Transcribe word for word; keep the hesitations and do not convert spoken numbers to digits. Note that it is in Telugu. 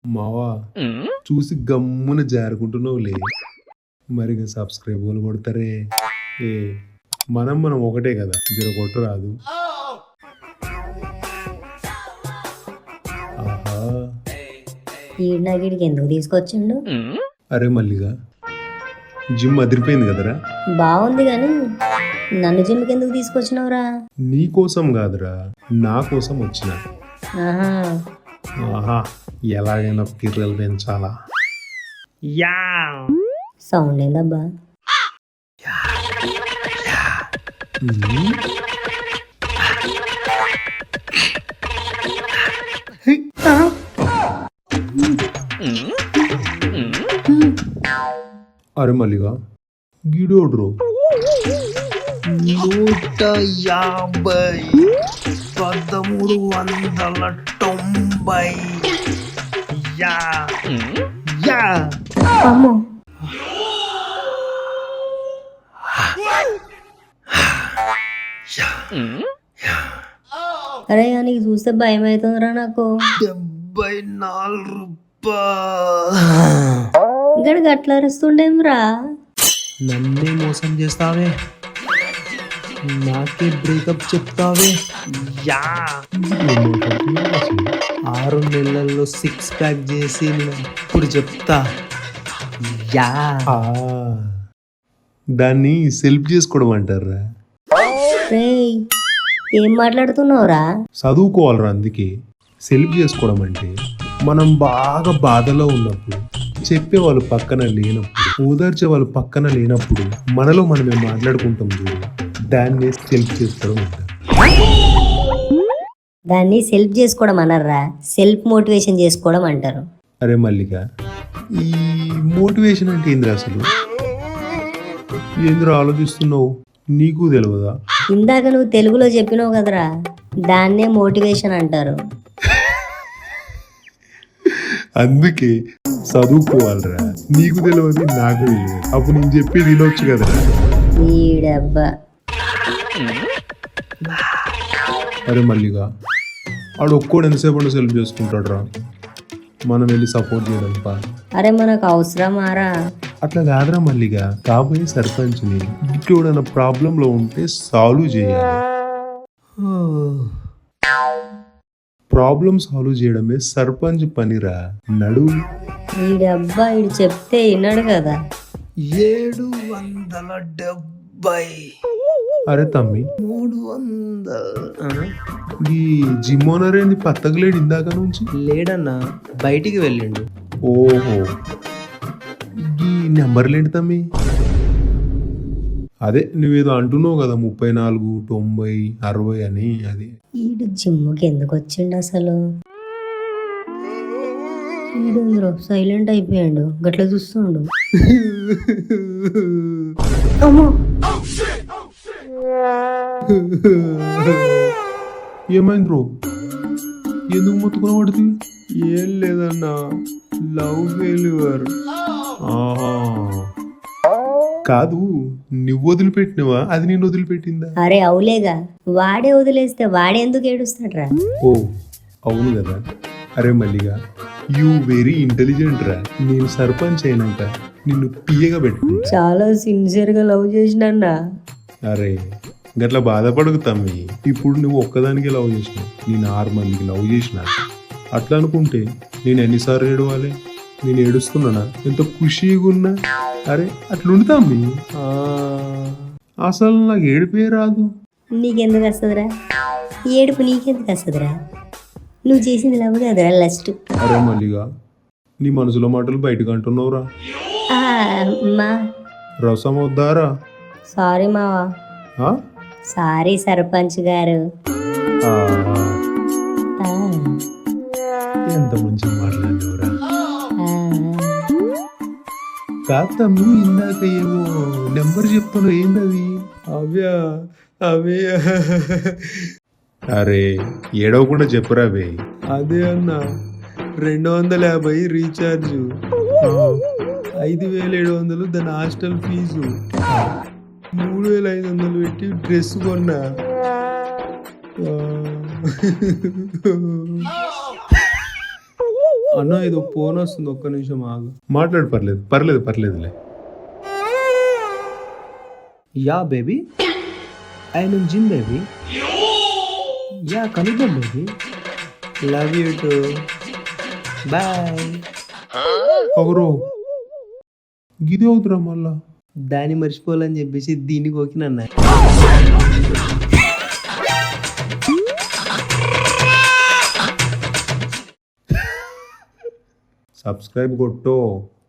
మావా చూసి గమ్మున జారుకుంటున్నావులే. మరి సబ్స్క్రైబ్ వాళ్ళు కొడతారే. ఏ మనం మనం ఒకటే కదా, జర కొట్టు రాదు. ఆహా ఈడికి ఎందుకు తీసుకొచ్చిండు? అరే మల్లిగా జిమ్ అదిరిపోయింది కదరా. బాగుంది కానీ నన్ను జిమ్కి ఎందుకు తీసుకొచ్చినావురా? నీ కోసం కాదురా, నా కోసం వచ్చిన. ఆహా ఆహా ఎలాగైనా కిర్రలు పెంచాలా. యా సౌండ్ ఏందబ్బా? అరే మల్లిగా గిడోడ్రో నూట యాభై పదమూడు వందల తొంభై. యా యా అమ్మో అరే నీకు చూస్తే భయం అవుతుందిరా నాకు. డెబ్బై నాలుగు రూపాయలు. ఇక్కడ గట్ల అరుస్తుండేమ్రా? నన్నే మోసం చేస్తావే, నాకే బ్రేకప్ చెప్తావే. యా ఆరు నెలల్లో సిక్స్ ప్యాక్ చేసి ఇప్పుడు చెప్తా. యా దాన్ని సెల్ఫ్ చేసుకోవడం అంటారా. రేయ్ ఏం మాట్లాడుతున్నావురా? చదువుకోవాలరా. అందుకే సెల్ఫ్ చేసుకోవడం అంటే మనం బాగా బాధలో ఉన్నప్పుడు, చెప్పే వాళ్ళు పక్కన లేనప్పుడు, ఓదార్చే వాళ్ళు పక్కన లేనప్పుడు మనలో మనమే మాట్లాడుకుంటాం చూడు, దాన్ని సెల్ఫ్ చేసుకోవడం అంటారు. దాన్ని సెల్ఫ్ చేసుకోవడం అనర్రా, సెల్ఫ్ మోటివేషన్ చేసుకోవడం అంటారు. అరే మల్లిక, ఈ మోటివేషన్ అంటే ఏంద్రా అసలు? ఏంద్రా ఆలోచిస్తున్నావు? నీకు తెలియదా? ఇందాక నువ్వు తెలుగులో చెప్పినావు కదరా, దాన్నే మోటివేషన్ అంటారు. అందుకే చదువుకోవాలరా. నీకు తెలియదు, నాకు తెలియదు. అప్పుడు నేను చెప్పి వినొచ్చు కదరా. ఈడబ్బా. అరే మల్లిగా ఆడు ఒక్కోడు ఎంతసేపు సెల్ఫ్ చేసుకుంటాడు రా, మనం వెళ్ళి సపోర్ట్ చేయడం పా. అరే మనకు అవసరమారా? అట్లా కాదురా మల్లిగా, కాబోయే సర్పంచ్ని ఇంకోడన్న ప్రాబ్లంలో ఉంటే సాల్వ్ చేయాలి. ప్రాబ్లం సాల్వ్ చేయడమే సర్పంచ్ పనిరా. నడు. ఈడబ్బా ఈడు చెప్తే విన్నాడు కదా. ఏడు వందల డెబ్బై. అరే తమ్మి, మూడు వందల. ఈ జిమ్ ఓనర్ ఏంది పత్తగలేడు ఇందాక నుంచి? లేడన్నా, బయటికి వెళ్ళిండు. ఓహో, ఈ నెంబర్లేంటి తమ్మి? అదే నువ్వేదో అంటున్నావు కదా, ముప్పై నాలుగు తొంభై అరవై అని. అది ఈడు జిమ్కి ఎందుకు వచ్చిండు అసలు? ఈడు సైలెంట్ అయిపోయాడు, గట్ల చూస్తుండు. అమ్మో ఏమైంది బ్రో? ఎందుకు మొత్తుకున్న పడుతుంది? ఏం లేదన్నా, లవ్ ఫెయిల్యూర్. ఆహా కాదు, నువ్వు వదిలిపెట్టినవా అది నేను వదిలిపెట్టిందా? అరే అవులేగా, వాడే వదిలేస్తే వాడే ఎందుకు ఏడుస్తాడ్రా? ఓ అవును కదా. అరే మల్లిగా, యూ వెరీ ఇంటెలిజెంట్ రా. నేను సర్పంచ్ అయినాక నిన్ను పియ్యగా పెట్టుకుంటా. చాలా సిన్సియర్ గా లవ్ చేసినా. అరే గట్ల బాధపడకు తమ్మి. ఇప్పుడు నువ్వు ఒక్కదానికి లవ్ చేసినావు, నేను ఆరు మందికి లవ్ చేసిన. అట్లా అనుకుంటే నేను ఎన్నిసార్లు ఏడవాలి? నేను ఏడుస్తున్నానా? ఎంత ఖుషీగా ఉన్నా. అరే అట్లుండి తమ్మి, అసలు నాకు ఏడిపే రాదు. నీకెందుకు వస్తుందిరా ఏడుపు? నీకెందుకు వస్తుందిరా? నువ్వు చేసింది లవ్ కదరా లస్ట్. అరే మల్లిగా, నీ మనసులో మాటలు బయటకు అంటున్నావురా. మా రసం వద్దారా? సారీ మావా. సారీ సర్పంచ్ గారు. ఎంత మంచిగా మాట్లాడినవురా. కాదు తమ్మి, ఇందాక ఏమో నెంబర్ చెప్తాను, ఏందది? అవ్యా అవే. అరే ఏడవకుండా చెప్పురా బే. అదే అన్న, రెండు వందల యాభై రీఛార్జ్, ఐదు వేల ఏడు వందలు దాని హాస్టల్ ఫీజు, మూడు వేల ఐదు వందలు పెట్టి డ్రెస్ కొన్నా. అన్న ఏదో ఫోన్ వస్తుంది, ఒక్క నిమిషం ఆగు. మాట్లాడు, పర్లేదు పర్లేదు పర్లేదులే. Yeah baby, I mean gym baby. Yeah కలుద్దాం baby. Love you too. Bye. ఒకరు గిది అవుతురా మళ్ళా. దాన్ని మర్చిపోవాలని చెప్పేసి దీన్ని కోకినన్నా. సబ్స్క్రైబ్ కొట్టో.